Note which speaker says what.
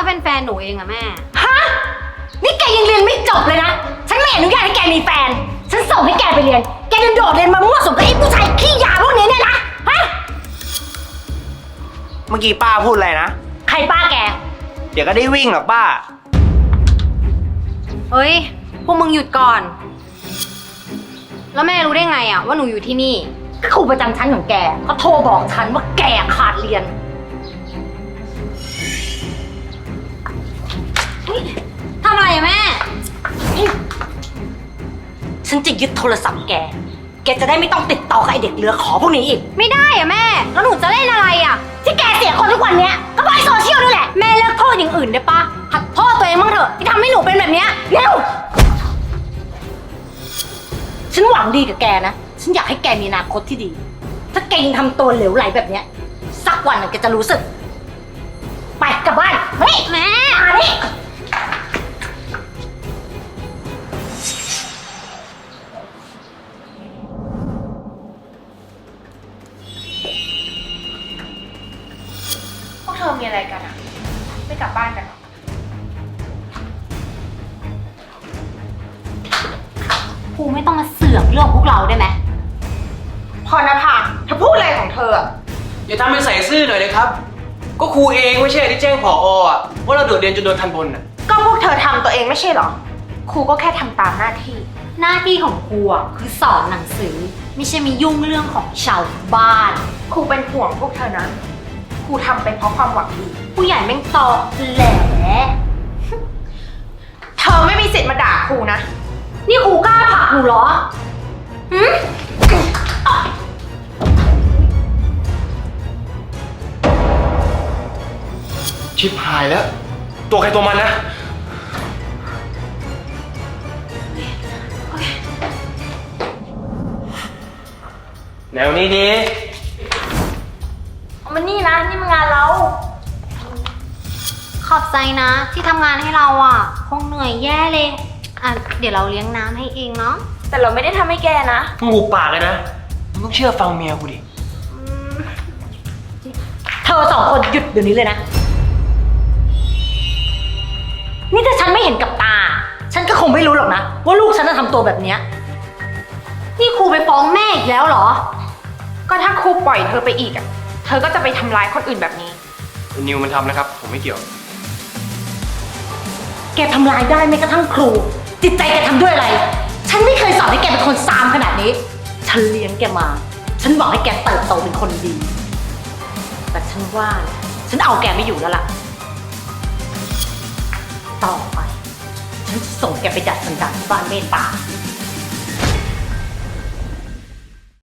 Speaker 1: เป็นแฟนหนูเองอะแม่
Speaker 2: ฮะนี่แกยังเรียนไม่จบเลยนะฉันไม่อนุญาตให้แกมีแฟนฉันส่งให้แกไปเรียนแกเดินโดดเรียนมามั่วสุมกับไอ้ผู้ชายขี้ยาพวกนี้เนี่ยนะฮะ
Speaker 3: เมื่อกี้ป้าพูดอะไรนะ
Speaker 2: ใครป้าแก
Speaker 3: เดี๋ยวก็ได้วิ่งหรอกป้า
Speaker 1: เฮ้ยพวกมึงหยุดก่อน แล้วแม่รู้ได้ไงอะว่าหนูอยู่ที่นี่
Speaker 2: ก็ครูประจำชั้นของแกเขาโทรบอกฉันว่าแกขาดเรียน
Speaker 1: ทำอะไรอะแม่
Speaker 2: ฉันจะยึดโทรศัพท์แกจะได้ไม่ต้องติดต่อกับไอเด็กเรือขอพวกนี้อีก
Speaker 1: ไม่ได้อะแม่แล้วหนูจะเล่นอะไรอะ
Speaker 2: ที่แกเสียคนทุกวันเนี้ยก็เพราะไอโซเชียลนี่แหละ
Speaker 1: แม่เลิกโทษอย่างอื่นได้ปะหัดโทษตัวเองบ้างเถอะที่ทำให้หนูเป็นแบบเนี้ย
Speaker 2: เร็วฉันหวังดีกับแกนะฉันอยากให้แกมีอนาคตที่ดี ถ้าแกยังทำตัวเหลวไหลแบบเนี้ยสักวันแกจะรู้สึกไปกลับบ้านเฮ้ย
Speaker 1: แม่
Speaker 2: มาดิ
Speaker 4: พวกเธอมีอะไรกันอะไม่กลับบ้านกันหรอ
Speaker 1: ครูไม่ต้องมาเสือกเรื่องพวกเราได้ไหม
Speaker 4: พรณภาเธอพูดอะไรของเธออะ
Speaker 5: อย่าทำเป็นใส่ซื่อหน่อยเลยครับ ก็ครูเองไม่ใช่ที่แจ้งผอ.อะว่าเราโดดเรียนจนโดนทันบนอ่ะ
Speaker 4: ก็พวกเธอทำตัวเองไม่ใช่หรอครูก็แค่ทำตามหน้าที่
Speaker 1: หน้าที่ของครูอะคือสอนหนังสือไม่ใช่มียุ่งเรื่องของชาวบ้าน
Speaker 4: ครูเป็นห่วงพวกเธอนะครูทำไปเพราะความหวังดี
Speaker 1: ผู้ใหญ่แม่งตอแหล
Speaker 4: เธอไม่มีสิทธิ์มาด่าครูนะ
Speaker 1: นี่ครูกล้าผลักหนูเหรอหืม
Speaker 5: ชิบหายแล้ว ตัวใครตัวมันนะแนวนี้ดี
Speaker 2: เอามานี่นะนี่มันงานเรา
Speaker 1: ขอบใจนะที่ทำงานให้เราอ่ะคงเหนื่อยแย่เลยอ่ะเดี๋ยวเราเลี้ยงน้ำให้เองเนาะ
Speaker 4: แต่เราไม่ได้ทำให้แกนะ
Speaker 5: มึงหุบปากเลยนะมึงต้องเชื่อฟังเมียกูดิ
Speaker 2: เธอสองคนหยุดเดี๋ยวนี้เลยนะนี่ถ้าฉันไม่เห็นกับตาฉันก็คงไม่รู้หรอกนะว่าลูกฉันจะทำตัวแบบเนี้ย
Speaker 1: นี่ครูไปฟ้องแม่อีกแล้วเหรอ
Speaker 4: ก็ถ้าครูปล่อยเธอไปอีกอะเธอก็จะไปทำร้ายคนอื่นแบบนี้
Speaker 5: นิวมันทำนะครับผมไม่เกี่ยว
Speaker 2: แกทำลายได้แม้กระทั่งครูจิตใจแกทำด้วยอะไรฉันไม่เคยสอนให้แกเป็นคนซามขนาดนี้ฉันเลี้ยงแกมาฉันหวังให้แกเติบโตเป็นคนดีแต่ฉันว่าฉันเอาแกไม่อยู่แล้วล่ะต่อไปฉันจะส่งแกไปดัดสันดานที่บ้านเมตตา